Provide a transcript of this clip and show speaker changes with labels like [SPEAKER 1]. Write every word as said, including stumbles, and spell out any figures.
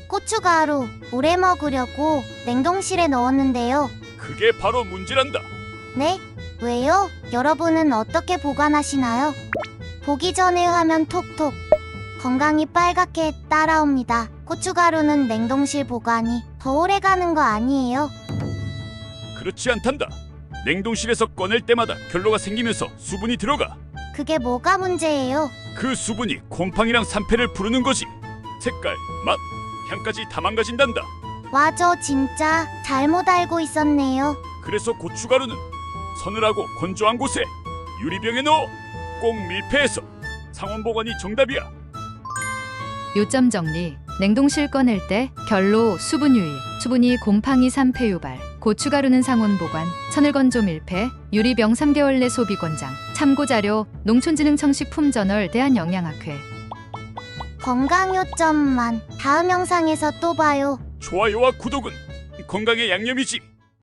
[SPEAKER 1] 고춧가루 오래 먹으려고 냉동실에 넣었는데요.
[SPEAKER 2] 그게 바로 문제란다.
[SPEAKER 1] 네? 왜요? 여러분은 어떻게 보관하시나요? 보기 전에 화면 톡톡. 건강이 빨갛게 따라옵니다. 고춧가루는 냉동실 보관이 더 오래 가는 거 아니에요?
[SPEAKER 2] 그렇지 않단다. 냉동실에서 꺼낼 때마다 결로가 생기면서 수분이 들어가.
[SPEAKER 1] 그게 뭐가 문제예요?
[SPEAKER 2] 그 수분이 곰팡이랑 산패를 부르는 거지. 색깔, 맛, 향까지 다 망가진단다.
[SPEAKER 1] 와, 저 진짜 잘못 알고 있었네요.
[SPEAKER 2] 그래서 고춧가루는 서늘하고 건조한 곳에 유리병에 넣어 꼭 밀폐해서 상온 보관이 정답이야.
[SPEAKER 3] 요점 정리. 냉동실 꺼낼 때 결로 수분 유입, 수분이 곰팡이 산패 유발, 고춧가루는 상온 보관, 천을 건조 밀폐, 유리병 삼 개월 내 소비 권장. 참고 자료 농촌진흥청 식품저널 대한영양학회.
[SPEAKER 1] 건강 요점만 다음 영상에서 또 봐요.
[SPEAKER 2] 좋아요와 구독은 건강의 양념이지.